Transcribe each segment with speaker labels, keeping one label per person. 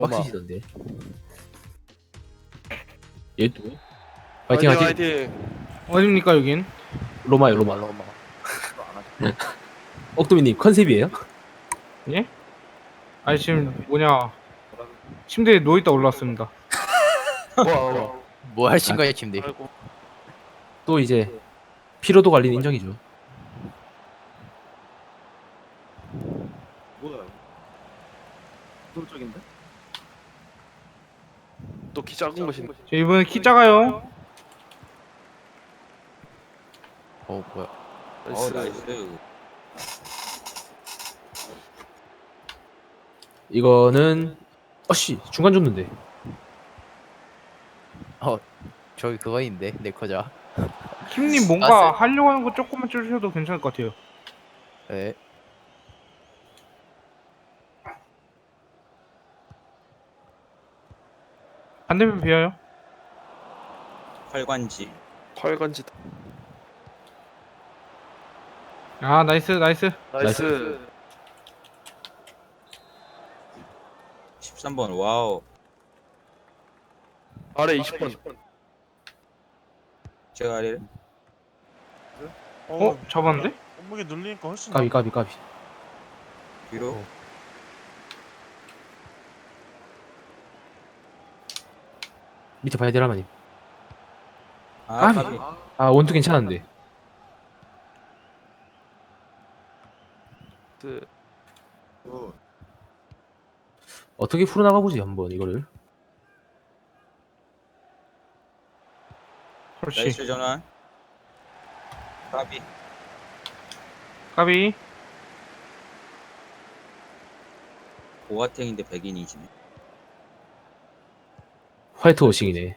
Speaker 1: 빡치시던데. 얘도 파이팅 하지.
Speaker 2: 화이팅.
Speaker 3: 어딥니까 여긴?
Speaker 1: 로마요 로마. 억도미님 컨셉이에요?
Speaker 3: 예? 아니 지금 뭐냐 침대에 누워있다 올라왔습니다.
Speaker 2: 와.
Speaker 4: 뭐 하신 거예요, 침대?
Speaker 2: 아이고.
Speaker 1: 또 이제 피로도 관리는 인정이죠.
Speaker 5: 뭐야? 도적인데?
Speaker 2: 또 키 작은 것인.
Speaker 3: 저 이번에 키 작아요.
Speaker 4: 뭐야?
Speaker 2: 나이스.
Speaker 1: 이거는 어씨 중간 줬는데.
Speaker 4: 저기 그거 있는데 네커자.
Speaker 3: 킴님 뭔가 하려고 하는 거 조금만 줄여도 괜찮을 것 같아요.
Speaker 4: 네.
Speaker 3: 반대편 비어요.
Speaker 5: 활관지.
Speaker 2: 활관지.
Speaker 3: 아 나이스 나이스.
Speaker 2: 나이스.
Speaker 5: 13번. 와우.
Speaker 2: 아래 20번.
Speaker 5: 제가 아래.
Speaker 3: 어? 잡았는데?
Speaker 6: 몸무게 늘리니까 훨씬
Speaker 1: 까비 까비 까비.
Speaker 5: 뒤로.
Speaker 1: 밑에 봐야 되라마님.
Speaker 5: 아,
Speaker 1: 까비.
Speaker 5: 까비.
Speaker 1: 아 원투 괜찮은데.
Speaker 2: 그
Speaker 1: 어떻게 풀어나가 보지 한번 이거를.
Speaker 3: 그렇지.
Speaker 5: 나이스 전환. 까비.
Speaker 3: 까비.
Speaker 5: 보아탱인데 백인이지네.
Speaker 1: 화이트 워싱이네.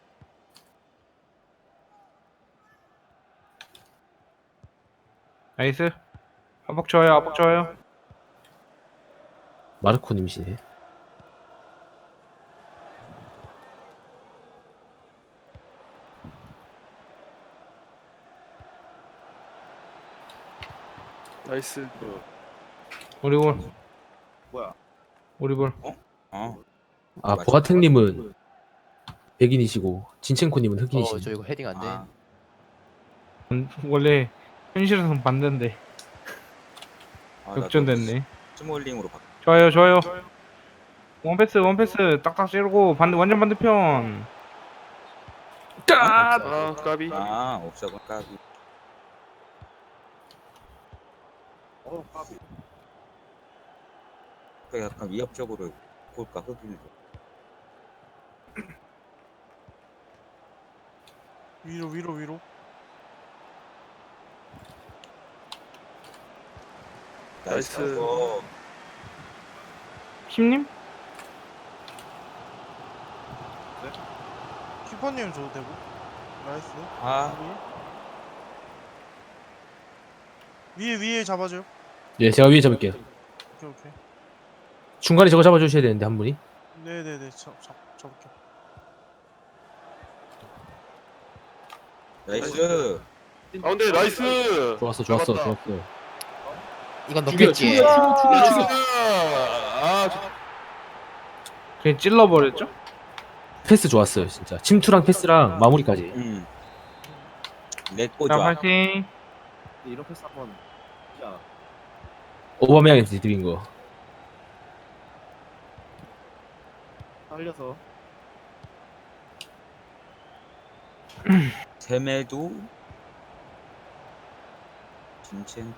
Speaker 3: 나이스. 압박 좋아요 압박 좋아요.
Speaker 1: 마르코님이시네.
Speaker 2: 나이스.
Speaker 3: 우리 볼.
Speaker 5: 뭐야?
Speaker 3: 우리 볼.
Speaker 5: 어.
Speaker 1: 아
Speaker 5: 맞아.
Speaker 1: 보아탱님은 백인이시고 진첸코님은
Speaker 4: 저
Speaker 1: 흑인이시네.
Speaker 4: 이거 헤딩 안 돼.
Speaker 5: 아,
Speaker 3: 원래 현실에서는 반대인데 역전됐네.
Speaker 5: 스몰링으로 바꿔.
Speaker 3: 좋아요 좋아요. 원패스 원패스 딱딱 찌르고 반대 완전 반대편.
Speaker 2: 아 까비.
Speaker 5: 아, 옵사고 까비. 까비. 약간 위협적으로 볼까 흑인을.
Speaker 6: 위로
Speaker 2: 나이스.
Speaker 3: 킴님?
Speaker 6: 키퍼님 줘도 되고. 나이스.
Speaker 5: 아,
Speaker 6: 위에 잡아줘요.
Speaker 1: 예 제가 위에 잡을게요.
Speaker 6: 오케이.
Speaker 1: 중간에 저거 잡아주셔야 되는데 한 분이.
Speaker 6: 네네네. 잡을게.
Speaker 5: 나이스.
Speaker 2: 가운데 나이스.
Speaker 1: 좋았어
Speaker 2: 잡았다.
Speaker 1: 좋았어.
Speaker 4: 이건
Speaker 1: 죽여,
Speaker 4: 넣겠지.
Speaker 1: 죽여.
Speaker 2: 나이스. 아
Speaker 3: 그냥 찔러버렸죠?
Speaker 1: 패스 좋았어요 진짜. 침투랑 패스랑 마무리까지.
Speaker 5: 렛고
Speaker 3: 자
Speaker 5: 좋아.
Speaker 3: 파이팅.
Speaker 5: 이런 패스 한번. 야.
Speaker 1: 오바메양한테 드린 거.
Speaker 5: 살려서. 세메도. 진첸.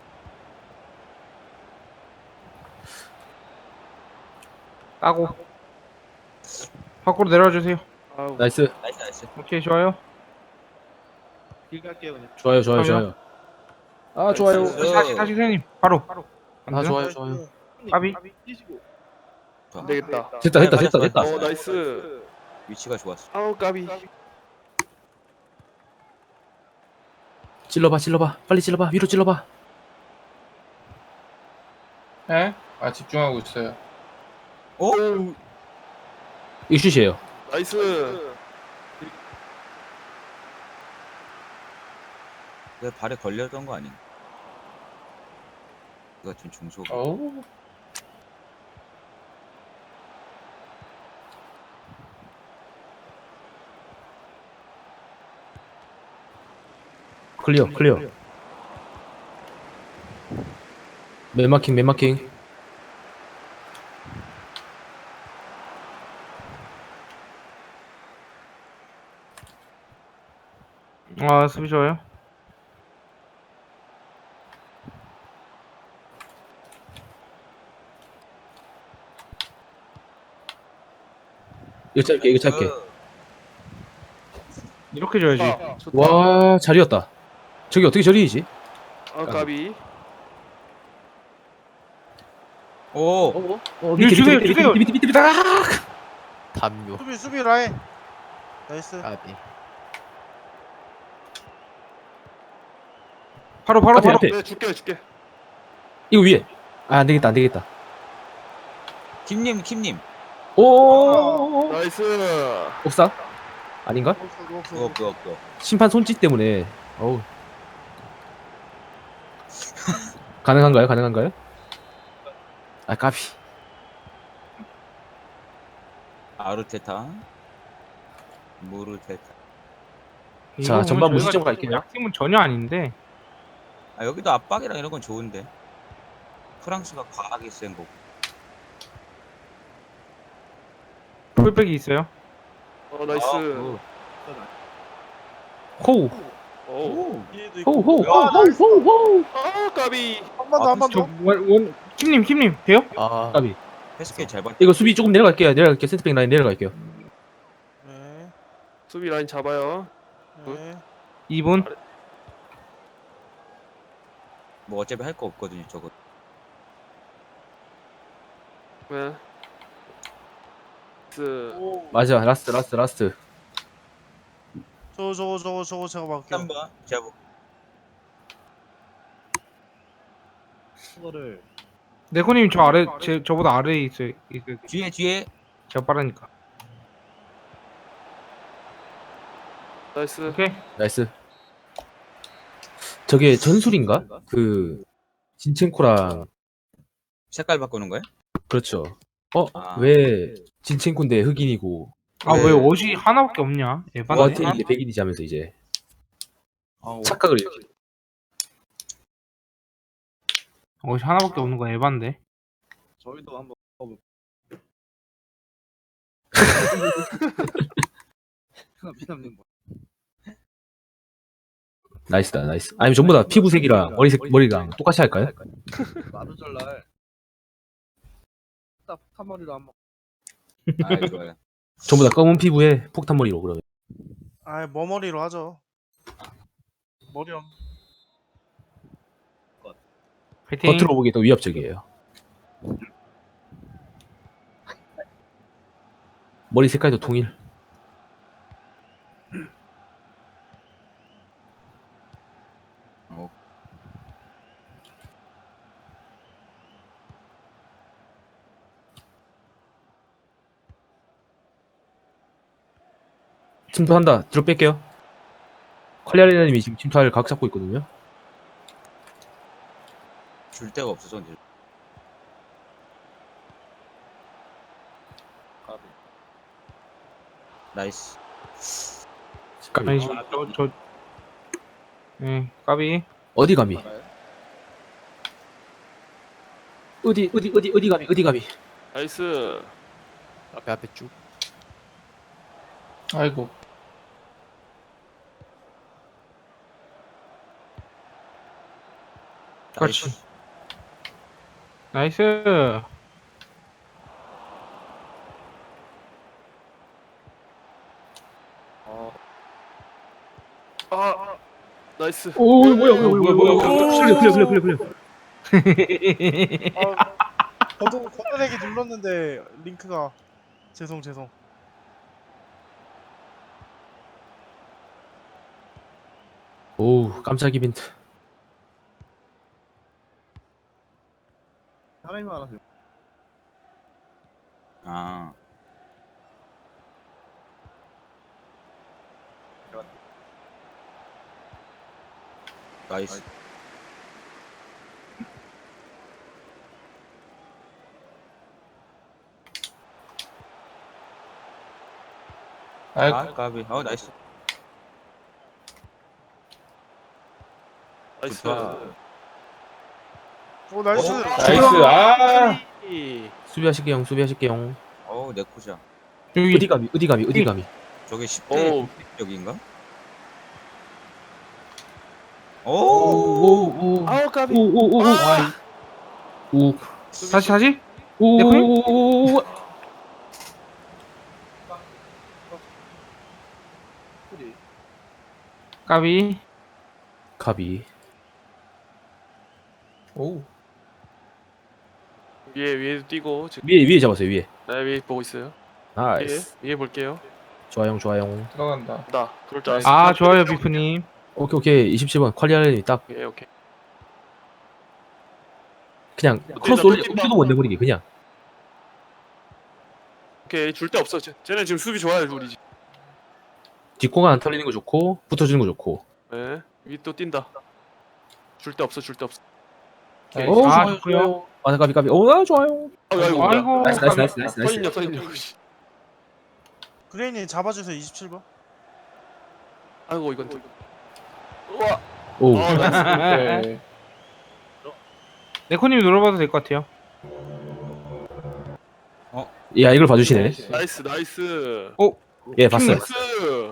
Speaker 3: 까고 밖으로 내려와주세요.
Speaker 2: 아우.
Speaker 1: 나이스.
Speaker 5: 나이스.
Speaker 3: 오케이 좋아요.
Speaker 5: 길 갈게요 그냥.
Speaker 1: 좋아요 좋아요 좋아요. 아 좋아요.
Speaker 3: 다시 선생님 바로.
Speaker 1: 아 좋아요 좋아요.
Speaker 3: 까비.
Speaker 2: 안 되겠다.
Speaker 1: 됐다.
Speaker 2: 어 나이스.
Speaker 5: 위치가 좋았어.
Speaker 2: 아우 까비.
Speaker 1: 찔러봐 빨리 찔러봐 위로 찔러봐.
Speaker 7: 에? 아 집중하고 있어요.
Speaker 5: 어?
Speaker 1: 이거 슛이에요.
Speaker 2: 나이스.
Speaker 5: 내 발에 걸렸던 거 아닌가? 그 같은 중소.
Speaker 7: 어우
Speaker 1: 클리어. 맨마킹.
Speaker 3: 아, 수비 좋아요.
Speaker 1: 이거 짧게.
Speaker 3: 이렇게 줘야지.
Speaker 2: 좋다.
Speaker 1: 와, 잘이었다. 저기 어떻게 저리지?
Speaker 2: 아 까비.
Speaker 5: 오.
Speaker 1: 밑에. 아!
Speaker 4: 담요.
Speaker 6: 수비 라인. 나이스.
Speaker 4: 까비.
Speaker 3: 바로.
Speaker 1: 앞에.
Speaker 2: 네 줄게.
Speaker 1: 이거 위에. 아, 안 되겠다.
Speaker 5: 김님.
Speaker 1: 오!
Speaker 2: 나이스.
Speaker 1: 옥상? 아닌가?
Speaker 5: 그거.
Speaker 1: 심판 손짓 때문에. 어우. 가능한가요? 아, 까비.
Speaker 5: 아르테타. 무르테타.
Speaker 1: 자,
Speaker 3: 이거
Speaker 1: 전반
Speaker 3: 보면
Speaker 1: 무시점
Speaker 3: 저희가
Speaker 1: 갈게요.
Speaker 3: 약팀은 전혀 아닌데.
Speaker 5: 아, 여기도 압박이랑 이런 건 좋은데. 프랑스가 과하게 센 거고.
Speaker 3: 풀백이 있어요.
Speaker 2: 나이스.
Speaker 1: 호우.
Speaker 2: 오.
Speaker 6: 뒤에도 있고.
Speaker 1: 호우.
Speaker 2: 아 까비.
Speaker 6: 한 번 더, 한 번
Speaker 3: 저
Speaker 6: 더.
Speaker 3: 킴님 돼요?
Speaker 4: 아,
Speaker 1: 까비.
Speaker 5: 패스게 잘 받.
Speaker 1: 이거 수비 조금 내려갈게요. 센터백 라인 내려갈게요.
Speaker 6: 네.
Speaker 2: 수비 라인 잡아요.
Speaker 6: 네.
Speaker 3: 2분.
Speaker 5: 뭐 어차피 할 거 없거든요, 저거.
Speaker 2: 네.
Speaker 6: 오.
Speaker 1: 맞아. 라스트.
Speaker 6: 저거 제가 막게요.
Speaker 5: 3번. 제가 뭐
Speaker 3: 네코님 저 아래 저보다 아래에 있어요.
Speaker 5: 뒤에.
Speaker 3: 제가 빠르니까.
Speaker 2: 나이스.
Speaker 3: 오케이.
Speaker 1: 나이스. 저게 전술인가? 그 진첸코랑
Speaker 5: 색깔 바꾸는 거야?
Speaker 1: 그렇죠.
Speaker 5: 아.
Speaker 1: 왜 진첸코인데 흑인이고
Speaker 3: 아 왜 옷이 하나밖에 없냐? 에바네.
Speaker 1: 와테인데 백인이지 하면서 이제 착각을 이렇게.
Speaker 3: 옷이 하나밖에 없는 건 에반데.
Speaker 5: 저희도 한번 피담님 뭐.
Speaker 1: 나이스다. 아니면 전부 다 피부색이랑 머리랑 똑같이 할까요?
Speaker 5: 나도 잘날. 한 머리로 한번. 아, 좋아요.
Speaker 1: 전부 다 검은 피부에 폭탄 머리로 그러면.
Speaker 6: 아, 머리로 하죠. 머리 없.
Speaker 3: 파이팅.
Speaker 1: 겉으로 보기 더 위협적이에요. 머리 색깔도 통일. 침투한다. 뒤로 뺄게요. 컬리아리나님이 지금 침투할 각 잡고 있거든요.
Speaker 5: 줄 데가 없어서 이제. 나이스.
Speaker 1: 까비.
Speaker 3: 아니 지금 네, 까비.
Speaker 1: 어디 감히? 어디 감히?
Speaker 2: 나이스.
Speaker 4: 앞에 쭉.
Speaker 7: 아이고.
Speaker 3: 그렇지. 나이스.
Speaker 2: 아 나이스.
Speaker 1: 오, 뭐야. 클리어.
Speaker 6: 걷어내기 눌렀는데 링크가 죄송.
Speaker 1: 오, 깜짝 이벤트.
Speaker 5: 아. 나이스.
Speaker 7: 아이고.
Speaker 5: 아, 까비. 나이스.
Speaker 2: 나이스.
Speaker 5: 좋다.
Speaker 6: 오 나이스.
Speaker 7: 나이스. 아.
Speaker 1: 수비하실게요. 수비하실게요.
Speaker 5: 어우 내 코자.
Speaker 3: 여기
Speaker 1: 어디 감이.
Speaker 5: 저게 10대
Speaker 2: 오.
Speaker 5: 여기인가? 오.
Speaker 1: 오오오
Speaker 2: 아우 까비.
Speaker 1: 오오오 오
Speaker 3: 다시
Speaker 1: 오오오
Speaker 3: 까비.
Speaker 1: 가비.
Speaker 7: 오.
Speaker 2: 위에도 뛰고 지금
Speaker 1: 위에 잡았어요. 위에.
Speaker 2: 네, 위에 보고 있어요.
Speaker 1: 나이스.
Speaker 2: 위에 볼게요.
Speaker 1: 좋아요.
Speaker 7: 들어간다.
Speaker 2: 나 그럴 줄 알았어.
Speaker 3: 아 좋아요 비프님.
Speaker 1: 오케이. 27번 퀄리아렌이 딱
Speaker 2: 오케이.
Speaker 1: 그냥
Speaker 2: 나
Speaker 1: 크로스
Speaker 2: 또
Speaker 1: 올리
Speaker 2: 뛴다.
Speaker 1: 엄지도 못 내버리게 그냥.
Speaker 2: 오케이 줄 데 없어. 쟤네 지금 수비 좋아요 우리.
Speaker 1: 뒷공간 안 털리는 거 좋고 붙어주는 거 좋고.
Speaker 2: 네. 위 또 뛴다. 줄 데 없어.
Speaker 7: 나이스.
Speaker 1: 오,
Speaker 3: 아,
Speaker 1: 좋아요.
Speaker 3: 좋고요.
Speaker 1: 아 까비. 오 좋아요.
Speaker 2: 아이고.
Speaker 3: 아이고.
Speaker 1: 나이스.
Speaker 2: 서인요.
Speaker 6: 그레인이 잡아주세요 27번.
Speaker 2: 아이고 이건 또. 우와.
Speaker 1: 오.
Speaker 2: 나이스.
Speaker 7: 오케이.
Speaker 3: 네코님 눌러봐도 될 것 같아요.
Speaker 1: 야 이걸 봐주시네.
Speaker 2: 나이스.
Speaker 1: 예 봤어요.
Speaker 2: 나이스.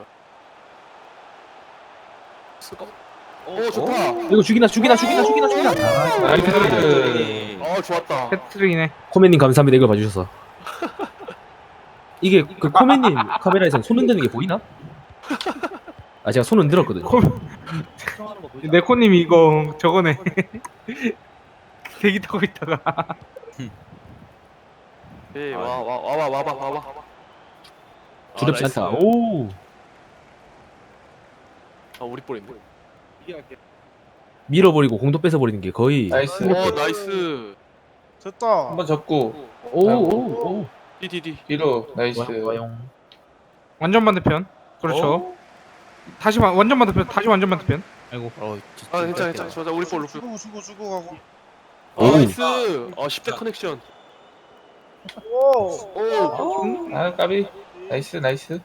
Speaker 2: 오 좋다.
Speaker 1: 이거 죽이나.
Speaker 7: 나이스.
Speaker 2: 좋았다.
Speaker 3: 패트릭이네.
Speaker 1: 코맨님 감사합니다. 이걸 봐주셔서. 이게 그 코맨님 카메라에서 손 흔드는 게 보이나? 아 제가 손 흔들었거든요.
Speaker 3: 네코님 이거 저거네. 대기 타고 있다가.
Speaker 2: 네, 와봐.
Speaker 1: 두렵지
Speaker 2: 나이스.
Speaker 1: 않다. 오.
Speaker 2: 아 우리 볼인데.
Speaker 1: 밀어버리고 공도 뺏어버리는 게 거의.
Speaker 7: 나이스.
Speaker 2: 오 나이스.
Speaker 6: 됐다.
Speaker 7: 한번 접고
Speaker 1: 오.
Speaker 2: 디디디.
Speaker 7: 뒤로 나이스.
Speaker 1: 좋아요.
Speaker 3: 완전 반대편. 그렇죠. 다시 완전 반대편. 다시 완전 반대편. 아이고.
Speaker 2: 아 괜찮아. 좋아. 우리 볼로.
Speaker 6: 주고 가고.
Speaker 1: 오.
Speaker 2: 나이스. 10대 커넥션.
Speaker 6: 오.
Speaker 7: 아 까비. 나이스.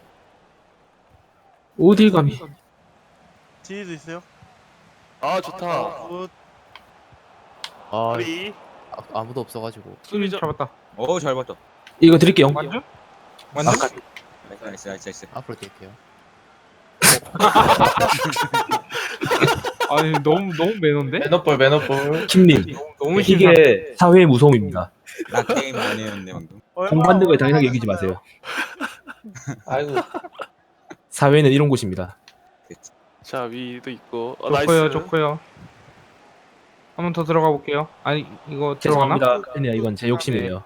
Speaker 1: 어딜 감히.
Speaker 6: 뒤에도 있어요.
Speaker 2: 아 좋다.
Speaker 6: 굿.
Speaker 4: 아,
Speaker 2: 우리
Speaker 4: 아무도 없어가지고.
Speaker 2: 수비자.
Speaker 3: 잡았다.
Speaker 5: 잘 봤다.
Speaker 1: 이거 드릴게요.
Speaker 3: 완전?
Speaker 1: 아,
Speaker 5: 나이스.
Speaker 4: 앞으로 뛸게요.
Speaker 3: 아니 너무 매너인데?
Speaker 7: 매너볼.
Speaker 1: 김님.
Speaker 3: 너무 심해.
Speaker 1: 이게 사회의 무서움입니다.
Speaker 5: 나 게임 안 했는데 방금.
Speaker 1: 공 받는 걸 당연하게 여기지 마세요.
Speaker 7: 아이고.
Speaker 1: 사회는 이런 곳입니다.
Speaker 2: 자 위도 있고.
Speaker 3: 좋고요. 한 번 더 들어가 볼게요. 아니 이거 들어가나?
Speaker 1: 죄송합니다. 아니야 이건 제 욕심이에요.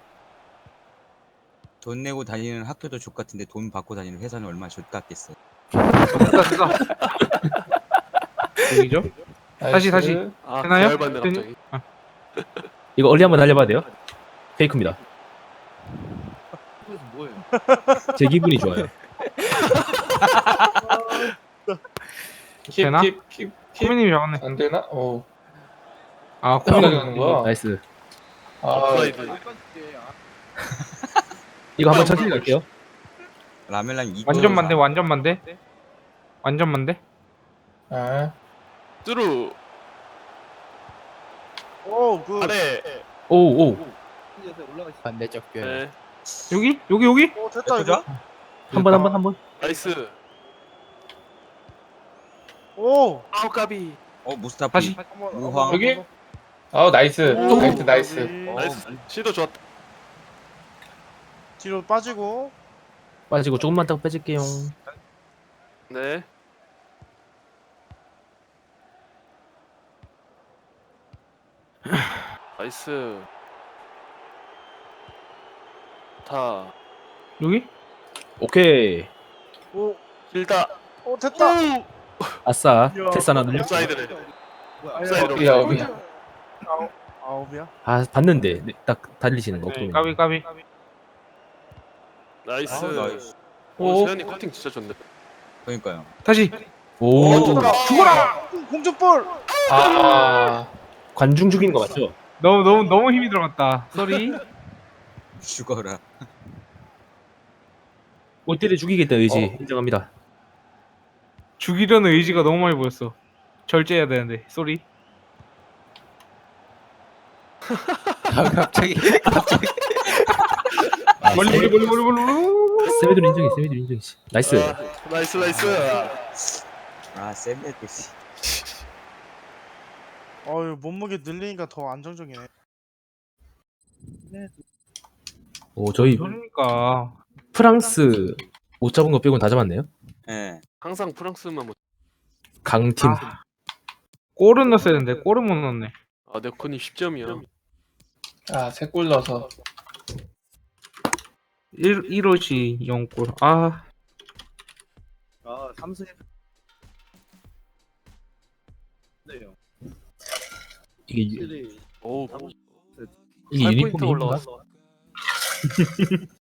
Speaker 5: 돈 내고 다니는 학교도 족 같은데 돈 받고 다니는 회사는 얼마나 족 같겠어.
Speaker 3: 됐다. 여기죠? 다시.
Speaker 2: 아
Speaker 3: 되나요?
Speaker 2: 열받네 갑자기.
Speaker 1: 이거 얼리 한번 날려봐도 돼요? 페이크입니다. 제 기분이 좋아요.
Speaker 3: 되나?
Speaker 7: 킵.
Speaker 3: 코미님이 잡았네.
Speaker 7: 안 되나? 오.
Speaker 3: 아
Speaker 7: 어떻게
Speaker 3: 코미님.
Speaker 7: 하는 거야?
Speaker 1: 나이스.
Speaker 7: 아,
Speaker 2: 업사이드.
Speaker 1: 이거 한번 천천히 갈게요.
Speaker 5: 라멜랑 2.
Speaker 3: 완전 반대.
Speaker 7: 아,
Speaker 2: 뚜루.
Speaker 6: 오 굿.
Speaker 2: 아래.
Speaker 1: 오.
Speaker 4: 반대쪽 교회.
Speaker 2: 네.
Speaker 3: 여기?
Speaker 6: 오 됐다 이거.
Speaker 1: 한 번.
Speaker 2: 나이스.
Speaker 6: 오.
Speaker 2: 아우 까비.
Speaker 5: 무스타피.
Speaker 3: 다시.
Speaker 6: 한번
Speaker 5: 우황.
Speaker 7: 여기? 나이스. 나이스.
Speaker 2: 나이스. 시도 좋았다.
Speaker 6: 뒤로 빠지고.
Speaker 1: 빠지고 조금만 딱 빼줄게요.
Speaker 2: 네. 나이스. 다.
Speaker 3: 여기?
Speaker 1: 오케이.
Speaker 6: 오.
Speaker 2: 길다.
Speaker 6: 오 됐다.
Speaker 1: 아싸.
Speaker 6: 이야.
Speaker 1: 테스 하나 늘려.
Speaker 2: 업사이드네. 업사이드로.
Speaker 7: 야, 여기.
Speaker 6: 아홉이야.
Speaker 1: 아 봤는데 네, 딱 달리시는 거.
Speaker 3: 네,
Speaker 1: 없더니.
Speaker 3: 까비.
Speaker 2: 나이스.
Speaker 5: 나이스.
Speaker 2: 오 세현이 커팅 진짜 좋네.
Speaker 5: 그러니까요.
Speaker 3: 다시.
Speaker 1: 오.
Speaker 6: 죽어라. 공중볼.
Speaker 7: 아,
Speaker 1: 관중 죽이는 거 맞죠?
Speaker 3: 너무 힘이 들어갔다. 쏘리.
Speaker 5: 죽어라.
Speaker 1: 골대를 죽이겠다는 의지 인정합니다.
Speaker 3: 죽이려는 의지가 너무 많이 보였어. 절제해야 되는데. 쏘리.
Speaker 4: 아, 갑자기
Speaker 1: 아,
Speaker 3: 멀리 멀리 멀리 멀리 멀리.
Speaker 1: 세미들 인정해, 세미들 인정해. 나이스.
Speaker 2: 나이스 나이스.
Speaker 5: 아 샌드위치 씨.
Speaker 6: 어유 몸무게 늘리니까 더 안정적이네.
Speaker 1: 오, 저희
Speaker 3: 그러니까
Speaker 1: 프랑스 못 잡은 거 빼고는 다 잡았네요.
Speaker 5: 예.
Speaker 2: 항상 프랑스만 못.
Speaker 1: 강팀.
Speaker 3: 골은 넣었어야 되는데 골은 못 넣었네.
Speaker 2: 아 네코님 10점이야.
Speaker 7: 아, 3골 넣어서.
Speaker 3: 1호시 0골. 아,
Speaker 6: 아 삼승. 네요.
Speaker 1: 이게
Speaker 2: 오.
Speaker 1: 이게
Speaker 2: 8포인트
Speaker 1: 유니폼이 힘든가?
Speaker 2: 올라왔어.